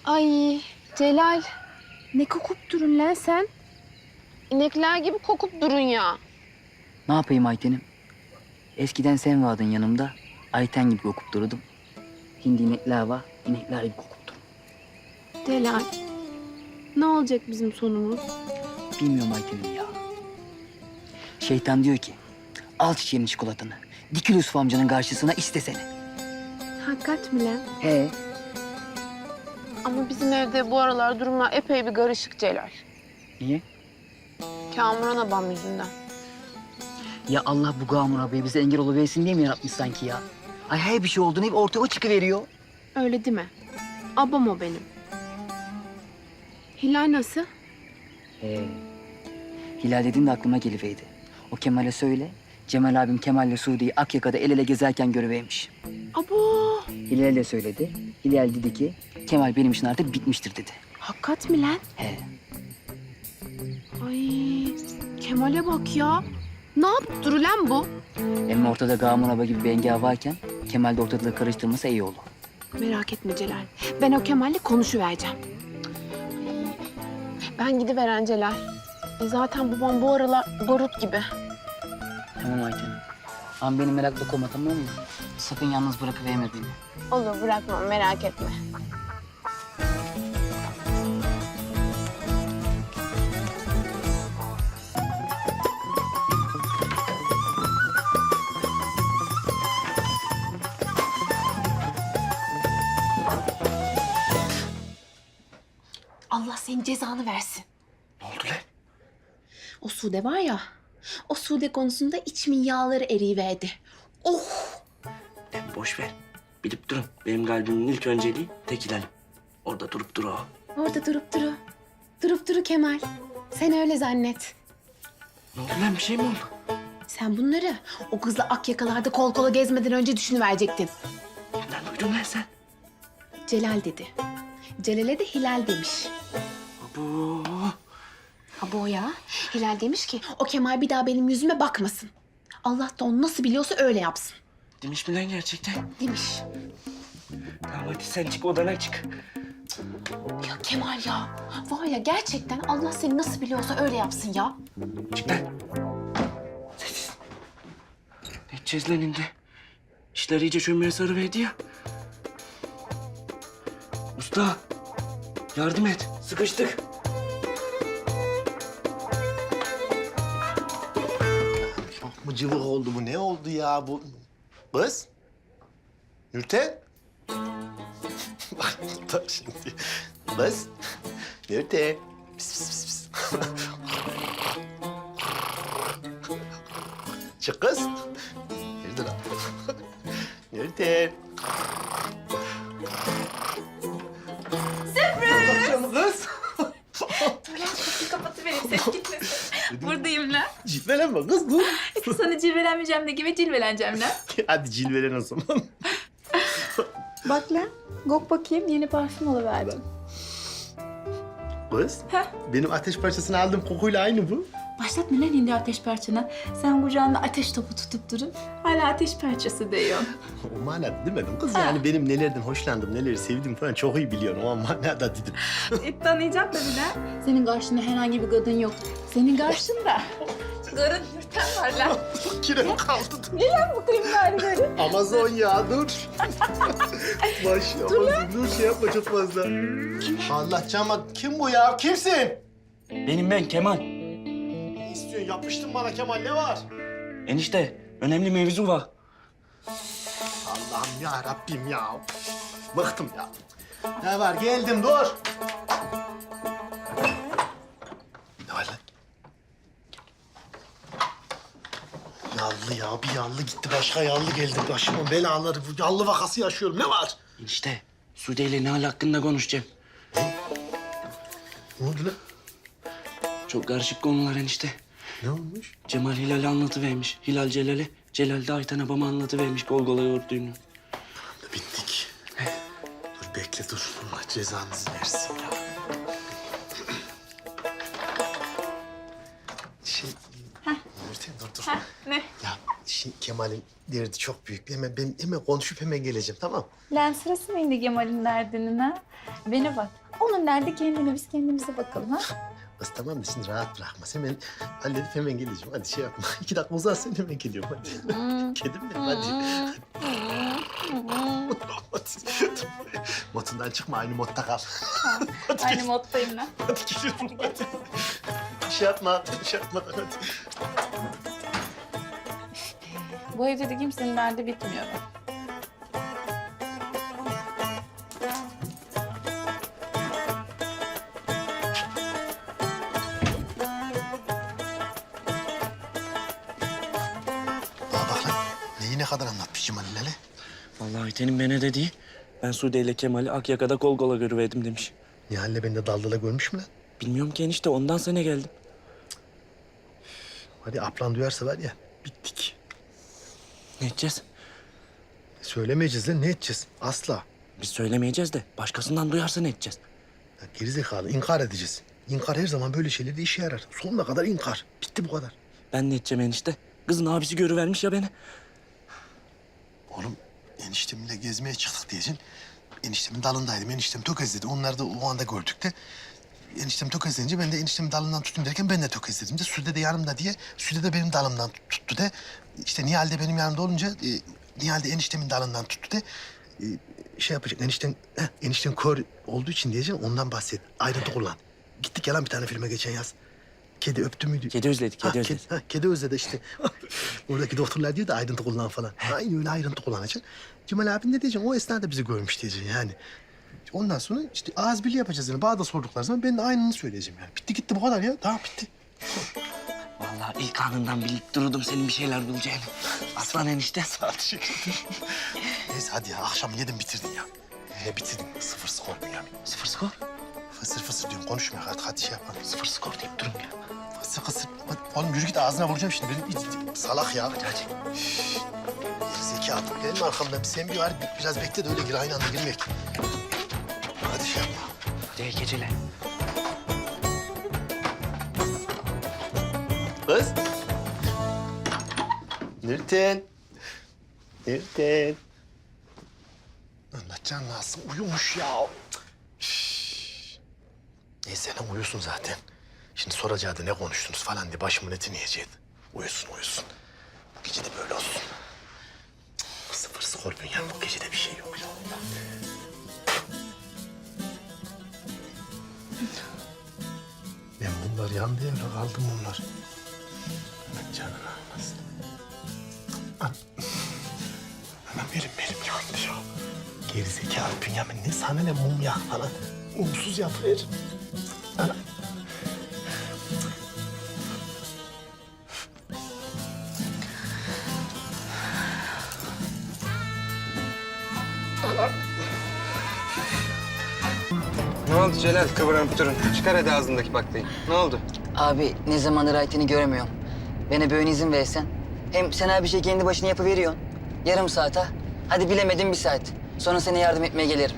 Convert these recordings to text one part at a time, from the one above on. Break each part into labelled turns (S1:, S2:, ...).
S1: Ay Celal,
S2: Ne kokup durun lan sen?
S1: inekler gibi kokup durun ya.
S3: Ne yapayım Ayten'im? Eskiden sen vardın yanımda. Ayten gibi kokup dururdum. Şimdi inekler var, inekler gibi kokup durum.
S2: Celal, ne olacak bizim sonumuz?
S3: Bilmiyorum Ayten'im ya. Şeytan diyor ki, al çiçeğinin çikolatanı. Dikil Yusuf amcanın karşısına istesene.
S2: Hakikat mi lan?
S3: He.
S1: Ama bizim evde bu aralar durumlar epey bir karışık Celal.
S3: Niye?
S1: Kamuran abam yüzünden.
S3: Ya Allah bu Gamur abiye bize engel oluversin diye mi yaratmış sanki ya? Ay her bir şey olduğunu hep ortaya o çıkıveriyor.
S2: Öyle değil mi? Abam o benim. Hilal nasıl?
S3: Hilal dediğin de aklıma geliverdi. O Kemal'e söyle, Cemal abim Kemal'le Suudi'yi Akyaka'da el ele gezerken görüvermiş.
S2: Abo!
S3: Hilal de söyledi. Hilal dedi ki, Kemal benim için artık bitmiştir dedi.
S2: Hakikat mi lan?
S3: He.
S2: Ay, Kemal'e bak ya. Ne yapıp duru lan bu?
S3: Hem ortada Gamur abi gibi bir engel varken, Kemal de ortalığı karıştırmasa iyi olur.
S2: Merak etme Celal. Ben o Kemal'le konuşuvereceğim.
S1: Ben gidiveren Celal. Zaten babam bu aralar barut gibi.
S3: Tamam Ayten. Ama beni merakla koyma, tamam mı? Sakın yalnız bırakıverme beni.
S1: Olur, bırakmam, merak etme.
S2: Allah senin cezanı versin.
S4: Ne oldu lan?
S2: O Sude var ya, o Sude konusunda içimin yağları eriyiverdi. Oh!
S4: Lan boş ver. Bilip durun. Benim kalbimin ilk önceliği tek Hilal. Orada durup dur o.
S2: Orada durup duru. Durup duru Kemal. Sen öyle zannet.
S4: Ne oldu lan? Bir şey mi oldu?
S2: Sen bunları o kızla Akyakalar'da kol kola gezmeden önce düşünüverecektin.
S4: Kimden duydun lan sen?
S2: Celal dedi. Celal'e de Hilal demiş.
S4: Bu.
S2: Ha bu ya. Hilal demiş ki o Kemal bir daha benim yüzüme bakmasın. Allah da onu nasıl biliyorsa öyle yapsın.
S4: Demiş mi lan gerçekten?
S2: Demiş.
S4: Tamam hadi sen çık odana çık.
S2: Ya Kemal ya. Var ya gerçekten Allah seni nasıl biliyorsa öyle yapsın ya.
S4: Çık lan. Sessiz. Ne edeceğiz lan şimdi? İşler iyice çömeye sarıverdi ya. Usta. Yardım et. Sıkıştık.
S5: Çok mu cıvık oldu bu? Ne oldu ya bu? Kız? Nurten? Bak da şimdi. Kız? Nurten? Pis pis pis pis. Çık kız. Nerede lan? Nurten? Sürpriz! Kız.
S6: Kapatıvereyim ses gitmesin. Buradayım lan.
S5: Cilvelenme kız dur.
S6: Sana cilvelenmeyeceğim de gibi cilveleneceğim lan.
S5: Hadi cilvelen o zaman.
S6: Bak lan. Gok bakayım yeni parfüm alıverdim.
S5: Kız,
S6: Heh.
S5: benim ateş parçasını aldığım kokuyla aynı bu.
S6: Başlatma lan hindi ateş parçana. Sen kucağında ateş topu tutup durun. Hala ateş parçası diyorsun.
S5: O manada demedim kız. Yani benim nelerden hoşlandım, neleri sevdim falan çok iyi biliyorum. O manada dedim.
S6: Tanıyacak tabii lan. Senin karşında herhangi bir kadın yok. Senin karşında karın yurten var lan.
S5: Kirem kaldı.
S6: Ne lan bu kriminalleri?
S5: Amazon ya dur. Maşallah. Dur şey yapma çok fazla. Allah cama kim bu ya? Kimsin?
S4: Benim ben Kemal.
S5: Ne istiyorsun? Yapmıştın bana Kemal ne var?
S4: Enişte önemli mevzu var.
S5: Allah'ım ya Rabbim ya. Bıktım ya. Ne var? Geldim dur. Ne var lan? Yallı ya bir yallı gitti başka yallı geldi. Başımın belaları bu yallı vakası yaşıyorum. Ne var?
S4: Enişte Sude ile Nihal hakkında konuşacağım.
S5: Ne oldu lan?
S4: Çok karışık konular enişte.
S5: Ne olmuş?
S4: Cemal Hilal'e anlatıvermiş. Hilal Celal'e. Celal de Ayten abama anlatıvermiş gol gola yoğurduğunu.
S5: Bittik. Dur bekle dur. Allah cezanızı versin ya. Nurten dur dur.
S6: Ne?
S5: Ya şimdi Kemal'in derdi çok büyük. Ben hemen konuşup hemen geleceğim tamam.
S6: Lan sırası mı indi Kemal'in derdinin ha? Bana bak. Onun nerede kendine biz kendimize bakalım ha.
S5: Kız tamam da şimdi rahat bırakmaz. Hemen halledip hemen geleceğim. Hadi şey yapma. 2 dakika uzarsın hemen geliyorum hadi. Kedim benim hadi. Hadi. Modundan çıkma aynı modda kal. Hadi
S6: Aynı
S5: gel.
S6: moddayım ben.
S5: Hadi geliyorum hadi. Şey yapma, şey yapma hadi.
S6: Bu evde de kimsenin derdi bitmiyor.
S5: Aa bak lan. Neyi ne kadar anlatmış Cemal Lale?
S4: Vallahi Ayten'in bana dediği, ben Sude ile Kemal'i Akyaka'da kol kola görüverdim demiş.
S5: Nihal'le beni de daldala görmüş mü lan?
S4: Bilmiyorum ki enişte, ondan sana geldim.
S5: Hadi ablan duyarsa var ya bittik.
S4: Ne edeceğiz?
S5: Söylemeyeceğiz lan ne edeceğiz? Asla.
S4: Biz söylemeyeceğiz de başkasından duyarsa ne edeceğiz?
S5: Ya gerizekalı inkar edeceğiz. İnkar her zaman böyle şeylerde işe yarar. Sonuna kadar inkar. Bitti bu kadar.
S4: Ben ne edeceğim enişte? Kızın abisi görüvermiş ya beni.
S5: Oğlum eniştemle gezmeye çıktık diyeceksin. Eniştemin dalındaydım. Eniştem tökezledi. Onları da o anda gördük de. Eniştem tökezleyince ben de eniştemin dalından tutayım derken ben de tökezledim de. Sude de yanımda diye. Sude de benim dalımdan tuttu de. İşte Nihal de benim yanımda olunca Nihal de eniştemin dalından tuttu de. Şey yapacak enişten kör olduğu için diyeceğim ondan bahset. Ayrıntı kullan. Gittik yalan bir tane filme geçen yaz. Kedi öptü müydü?
S4: Kedi özledi, kedi özledi.
S5: Kedi özledi işte. Oradaki doktorlar diyor da ayrıntı kullan falan. Aynı öyle ayrıntı kullanacaksın. Cemal abin ne diyeceksin? O esnada bizi görmüş diyeceksin yani. Ondan sonra işte ağız birliği yapacağız yani. Bana da sordukları zaman ben de aynını söyleyeceğim yani. Bitti gitti bu kadar ya. Tamam bitti.
S4: Vallahi ilk anından bilip dururdum senin bir şeyler bulacağını. Aslan enişte.
S5: Sağ ol, teşekkür ederim. Neyse hadi ya akşam yedin bitirdin ya. Yine bitirdin. 0 skor Bünyamin.
S4: 0 skor.
S5: Fısır fısır diyorum konuşmuyor artık hadi şey yapalım.
S4: 0 skor deyip durun ya.
S5: Fısır fısır. Hadi, oğlum yürü git ağzına vuracağım şimdi. Benim salak ya.
S4: Hadi hadi.
S5: Zeki gelme arkamdan. Sen bir var biraz bekle de öyle gir aynı anda girmek. Hadi şey yapma.
S4: Hadi iyi geceler.
S5: Kız. Nurten. Nurten. Allah canını alsın uyumuş ya. Üf. Neyse lan uyusun zaten. Şimdi soracağı da ne konuştunuz falan diye başımın etini yiyecekti. Uyusun uyusun. Bu gece de böyle olsun. 0 skor Bünyamin bu gece de bir şey yok ya. Ben bunlar yandı ya kaldım bunlar. Allah canını almasın. Anam benim yandı ya. Gerizekalı Bünyamin ne sana ne mum yak falan. Mumsuz yapıver. Anam.
S7: Ne oldu Celal? Kıvranıp durun. Çıkar hadi ağzındaki baklayı. Ne oldu?
S3: Abi ne zamandır Ayten'i göremiyorum. Bana böyle izin versen. Hem sen her bir şey kendi başına yapıveriyorsun. Yarım saate. Hadi bilemedim 1 saat. Sonra sana yardım etmeye gelirim.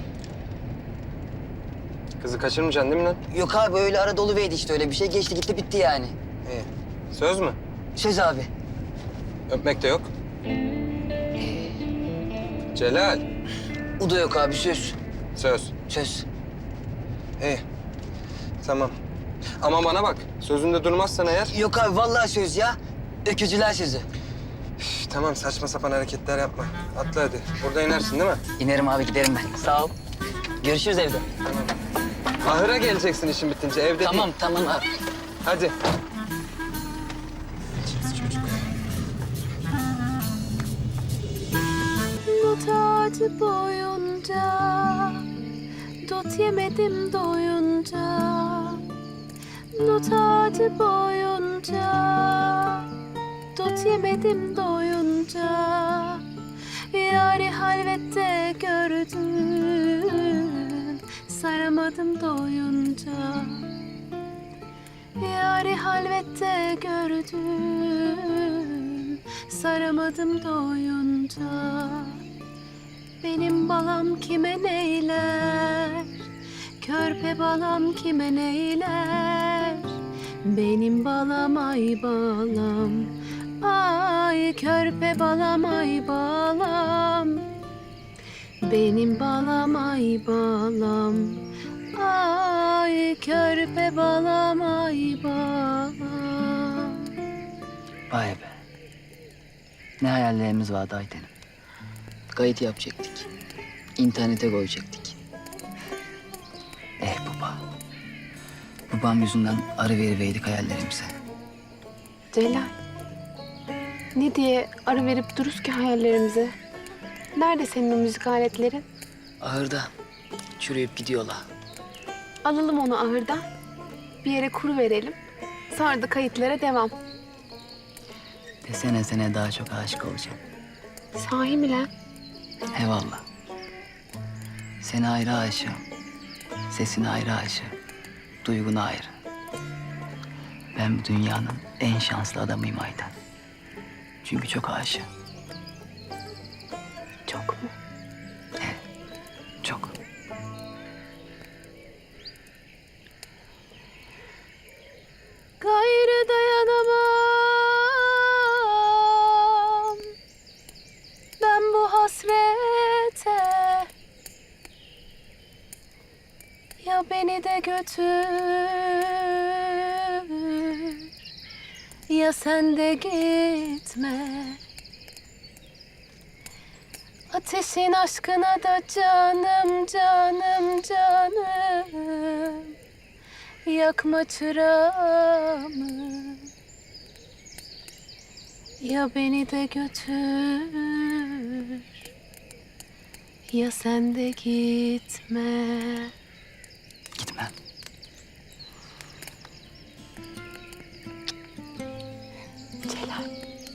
S7: Kızı kaçırmayacaksın değil mi lan?
S3: Yok abi öyle ara doluverdi işte öyle bir şey. Geçti gitti bitti yani.
S7: İyi. Söz mü?
S3: Söz abi.
S7: Öpmek de yok. Celal.
S3: O da yok abi söz.
S7: Söz.
S3: Söz.
S7: İyi. Tamam. Ama bana bak. Sözünde durmazsan eğer...
S3: Yok abi vallahi söz ya. Öküzüler sözü.
S7: Üf, tamam saçma sapan hareketler yapma. Atla hadi. Burada inersin değil mi?
S3: İnerim abi giderim ben. Sağ ol. Görüşürüz evde.
S7: Ahıra geleceksin işin bitince. Evde
S3: Tamam
S7: değil.
S3: tamam abi.
S7: Hadi.
S1: Dut ağacı boyunca dut yemedim doyunca. Dut ağacı boyunca dut yemedim doyunca. Yari halvette gördüm saramadım doyunca. Yari halvette gördüm saramadım doyunca. Benim balam kime neyler, körpe balam kime neyler. Benim balam ay balam, ay körpe balam ay balam. Benim balam ay balam, Ay körpe balam ay bal.
S3: Vay be. Ne hayallerimiz vardı Ayten'im. Kayıt yapacaktık. İnternete koyacaktık. Baba. Babam yüzünden arı veriveydik hayallerimize.
S1: Celal. Ne diye ara verip dururuz ki hayallerimize? Nerede senin o müzik aletlerin?
S3: Ahırda çürüyüp gidiyorlar.
S1: Alalım onu ahırdan. Bir yere kuru verelim. Sonra da kayıtlara devam.
S3: Desene sene daha çok aşık olacağım.
S1: Sahi mi lan?
S3: Eyvallah. Seni ayrı aşığım. Sesine ayrı aşığım. Duyguna ayrı. Ben bu dünyanın en şanslı adamıyım Ayten. Çünkü çok aşığım.
S1: Çok mu?
S3: Çok.
S1: Gayrı dayanamam ben bu hasrete. Ya beni de götür, ya sen de gitme. Ateşin aşkına da canım, canım, canım. Yakma çırağımı. Ya beni de götür, ya sen de gitme.
S3: Gitmem.
S1: Celal.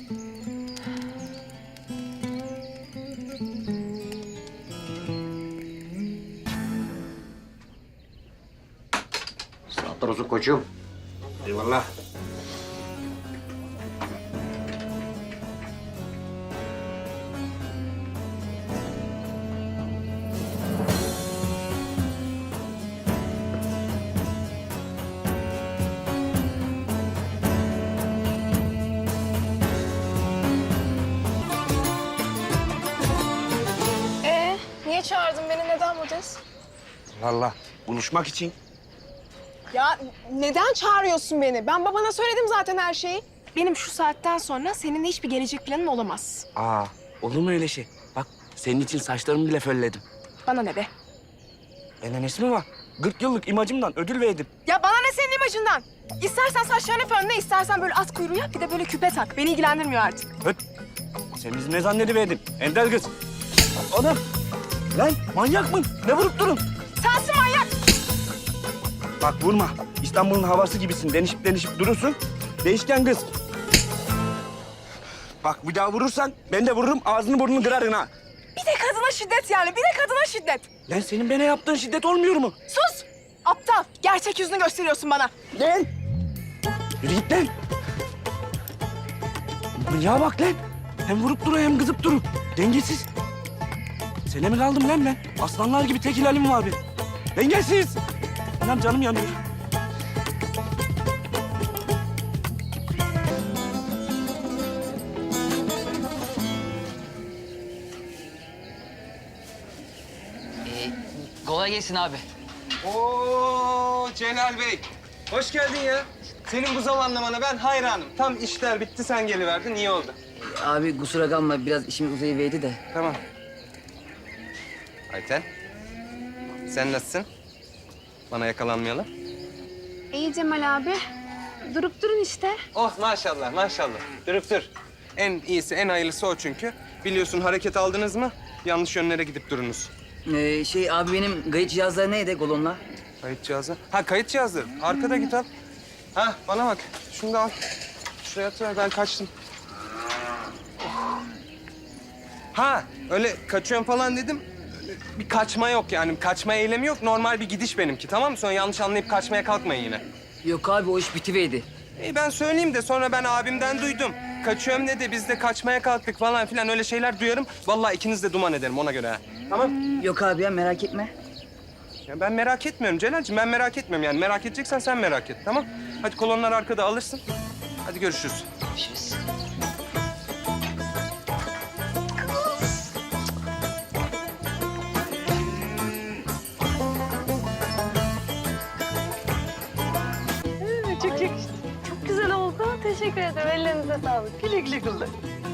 S7: Saatler olsun koçum. Eyvallah.
S8: Niye çağırdın beni? Neden buradayız?
S7: Vallahi buluşmak için.
S8: Ya neden çağırıyorsun beni? Ben babana söyledim zaten her şeyi. Benim şu saatten sonra seninle hiçbir gelecek planım olamaz.
S4: Aa, olur mu öyle şey? Bak senin için saçlarımı bile fölledim.
S8: Bana ne be?
S4: Benden mi var? 40 yıllık imajımdan ödül verdim.
S8: Ya bana ne senin imajından? İstersen saçlarını fönle, istersen böyle at kuyruğu yap, bir de böyle küpe tak. Beni ilgilendirmiyor artık.
S4: Höt. Sen bizi ne zannediverdin? Ender kız. Adam. Lan manyak mı? Ne vurup durun?
S8: Sensin manyak!
S4: Bak vurma. İstanbul'un havası gibisin. Denişip durursun. Değişken kız. Bak bir daha vurursan ben de vururum. Ağzını burnunu kırarım ha.
S8: Bir de kadına şiddet yani, bir de kadına şiddet.
S4: Lan senin bana yaptığın şiddet olmuyor mu?
S8: Sus! Aptal, gerçek yüzünü gösteriyorsun bana.
S4: Lan! Yürü git lan! Manyağa bak lan! Hem vurup duruyor hem kızıp durur. Dengesiz. Sene mi kaldım lan ben? Aslanlar gibi tek ilalim var benim. Dengesiz! Anam canım yanıyor.
S3: Kolay gelsin abi.
S7: Oo Celal Bey. Hoş geldin ya. Senin bu zamanlamana ben hayranım. Tam işler bitti sen geliverdin iyi oldu.
S3: Abi kusura kalma biraz işimiz uzayıverdi de.
S7: Tamam. Ayten. Sen nasılsın? Bana yakalanmayalım.
S1: İyi Cemal abi. Durup durun işte.
S7: Oh maşallah maşallah. Durup dur. En iyisi en hayırlısı o çünkü. Biliyorsun hareket aldınız mı yanlış yönlere gidip durunuz.
S3: Abi benim kayıt cihazları neydi kolonla?
S7: Kayıt cihazı. Ha kayıt cihazı. Arkada git al. Ha bana bak. Şunu da al. Şuraya at ben kaçtım. Oh. Ha öyle kaçıyorum falan dedim. Öyle bir kaçma yok yani. Kaçma eylemi yok. Normal bir gidiş benimki tamam mı? Sonra yanlış anlayıp kaçmaya kalkmayın yine.
S3: Yok abi o iş bitiverdi.
S7: Ben söyleyeyim de sonra ben abimden duydum. Kaçıyorum dedi, biz de kaçmaya kalktık falan filan öyle şeyler duyarım. Vallahi ikiniz de duman ederim ona göre ha. Tamam.
S3: Yok abi ya merak etme.
S7: Ya ben merak etmiyorum Celal'cığım, ben merak etmiyorum yani. Merak edeceksen sen merak et, tamam? Hadi kolonlar arkada alırsın. Hadi görüşürüz.
S3: Görüşürüz.
S1: Teşekkür ederim. Ellerinize sağlık. Güle güle kullan.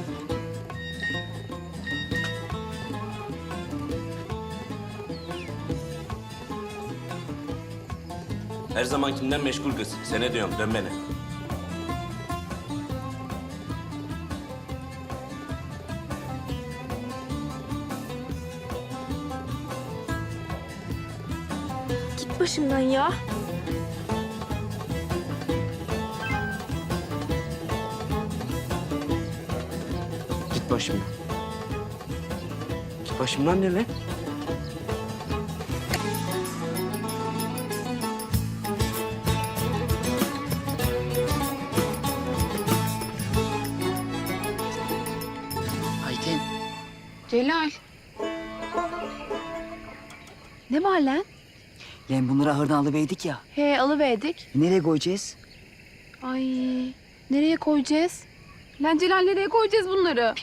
S4: Her zamankinden meşgul kız. Sene diyorum dön beni.
S8: Git başımdan ya.
S4: Git başımdan. Git başımdan ne lan?
S3: Ayten.
S2: Celal. Ne var lan?
S3: Yani bunları ahırdan alıverdik ya.
S2: He alıverdik.
S3: Nereye koyacağız?
S2: Ay nereye koyacağız? Lan Celal nereye koyacağız bunları?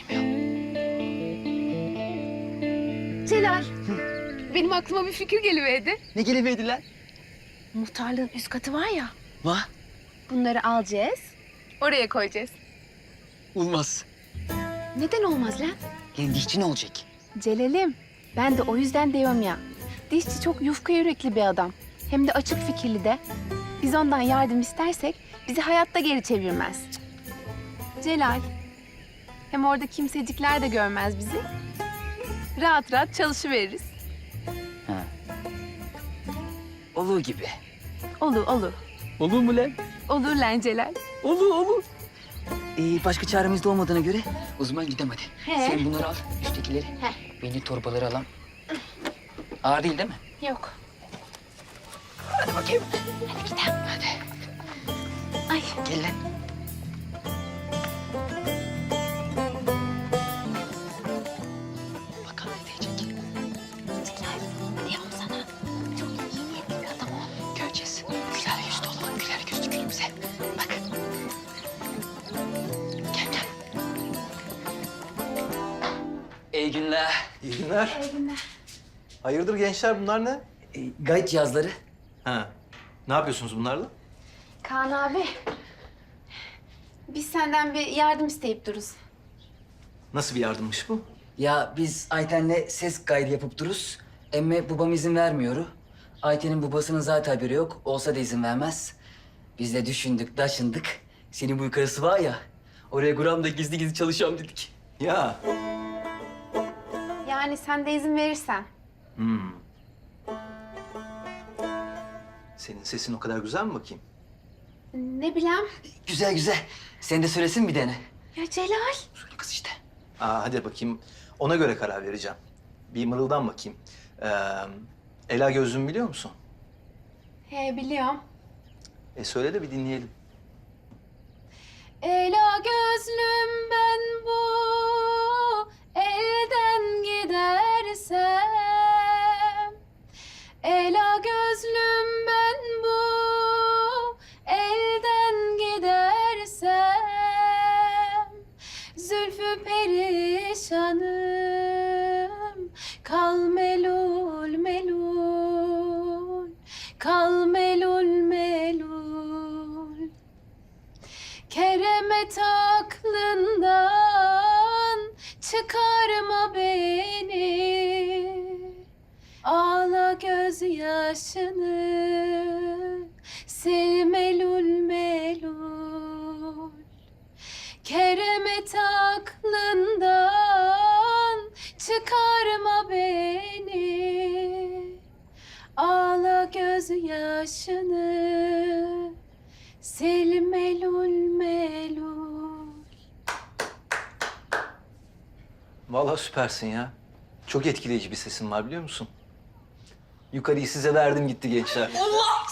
S2: Celal. Benim aklıma bir fikir geliverdi.
S3: Ne geliverdiler?
S2: Muhtarlığın üst katı var ya.
S3: Vah.
S2: Bunları alacağız. Oraya koyacağız.
S3: Olmaz.
S2: Neden olmaz lan?
S3: Yani dişçi ne olacak?
S2: Celal'im ben de o yüzden diyorum ya. Dişçi çok yufka yürekli bir adam. Hem de açık fikirli de. Biz ondan yardım istersek bizi hayatta geri çevirmez. Celal. Hem orada kimsecikler de görmez bizi. Rahat rahat çalışıveririz.
S3: Olur gibi.
S2: Olur olur.
S3: Olur mu lan?
S2: Olur lan Celal.
S3: Olur olur. Başka çaremiz de olmadığına göre o zaman gidelim hadi.
S2: He.
S3: Sen bunları al, üsttekileri. Ben de torbaları alayım. Ağır değil mi?
S2: Yok.
S3: Hadi bakayım. Hadi gidelim. Hadi.
S2: Ay.
S3: Gel lan. Bakalım ne diyecek.
S2: Celal diyorum sana. Çok iyi niyetli bir adam o.
S3: Göreceğiz. Güler yüzlü olalım. Güler yüzlü gülümse. Bak. Gel gel. İyi günler.
S9: İyi günler.
S2: İyi günler.
S9: Hayırdır gençler bunlar ne?
S3: Gayet yazları.
S9: Ha. Ne yapıyorsunuz bunlarla?
S2: Kaan abi. Biz senden bir yardım isteyip duruz.
S9: Nasıl bir yardımmış bu?
S3: Ya biz Ayten'le ses kaydı yapıp duruz. Emme babam izin vermiyor. Ayten'in babasının zaten haberi yok. Olsa da izin vermez. Biz de düşündük, taşındık. Senin bu yukarısı var ya. Oraya Guram'da gizli gizli çalışıyorum dedik.
S9: Ya.
S2: Yani sen de izin verirsen.
S9: Senin sesin o kadar güzel mi bakayım?
S2: Ne bileyim.
S3: Güzel güzel. Sen de söylesin bir dene.
S2: Ya Celal.
S3: Söyle kız işte.
S9: Hadi bakayım. Ona göre karar vereceğim. Bir mırıldan bakayım. Ela Gözlüm biliyor musun?
S2: He biliyorum.
S9: Söyle de bir dinleyelim.
S2: Ela gözlüm ben bu elden gidersem. Ela gözlüm ben bu elden gidersem. Zülfü perişanım kal melul melul. Kal melul melul. Keremet aklından çıkarma beni. Ağla gözyaşını sil melul melul. Keremet aklından çıkarma beni. Ağla gözyaşını sil melul melul.
S9: Vallahi süpersin ya. Çok etkileyici bir sesin var biliyor musun? Yukarıyı size verdim gitti gençler. Allah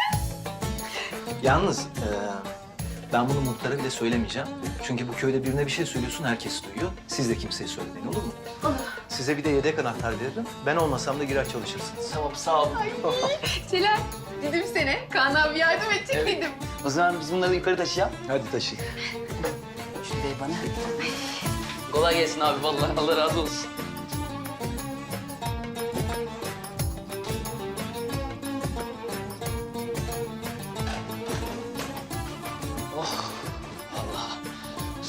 S9: Yalnız ben bunu muhtara bile söylemeyeceğim. Çünkü bu köyde birine bir şey söylüyorsun herkes duyuyor. Siz de kimseye söylemeyin olur mu? Size bir de yedek anahtar veririm. Ben olmasam da girer çalışırsınız.
S3: Tamam sağ ol.
S2: Celal, dedim sana. Kaan abi yardım edecek dedim.
S3: O zaman biz bunları yukarı taşıyalım.
S9: Hadi taşıyın.
S3: Şunu ver bana. Kolay gelsin abi vallahi. Allah razı olsun. Oh, Allah.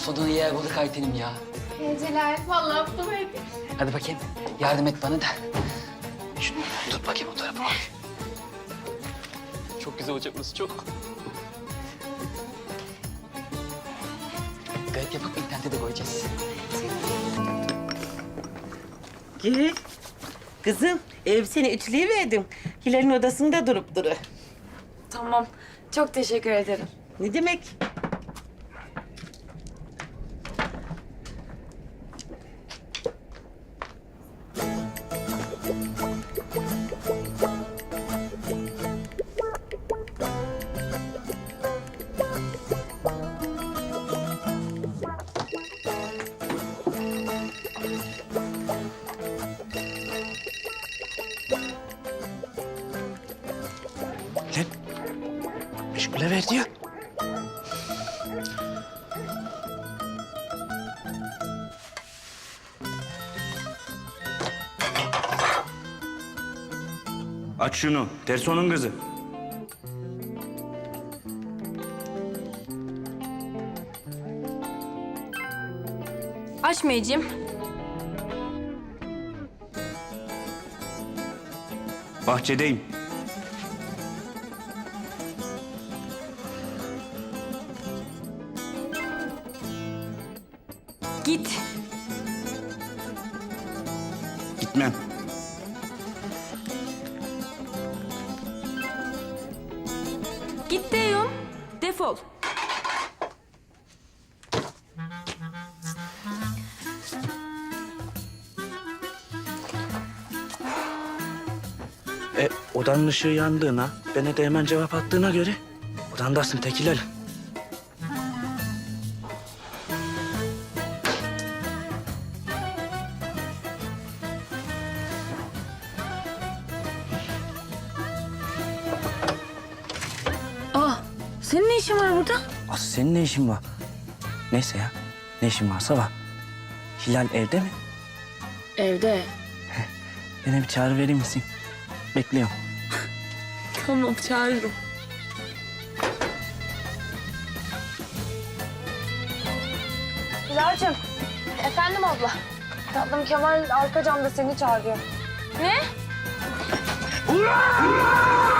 S3: Sonunda yer bulduk Ayten'im ya.
S1: Celal, vallahi bulamaydık.
S3: Hadi bakayım, yardım et bana da. Şunu tut bakayım o tarafa. Çok güzel olacak burası, çok. Gayet yapıp internete de koyacağız.
S10: Gel. Kızım, seni ütüleyiverdim. Hilal'in odasında durup duru.
S6: Tamam. Çok teşekkür ederim.
S10: Ne demek?
S4: Lan meşgule verdi ya. Aç şunu. Terson'un kızı.
S6: Açmayacağım.
S4: Bahçedeyim.
S6: Git.
S4: Gitmem.
S6: Git diyorum. Defol.
S4: Odanın ışığı yandığına, bana de hemen cevap attığına göre odandasın Tekil Ali.
S6: Senin ne işin var burada?
S4: Aslı senin ne işin var? Neyse ya, ne işin varsa var. Hilal evde mi?
S6: Evde.
S4: Bana bir çağrı verir misin? Bekliyorum.
S6: Tamam, çağırırım.
S8: Hilal'cim. Efendim abla. Tatlım Kemal arka camda seni çağırıyor.
S6: Ne?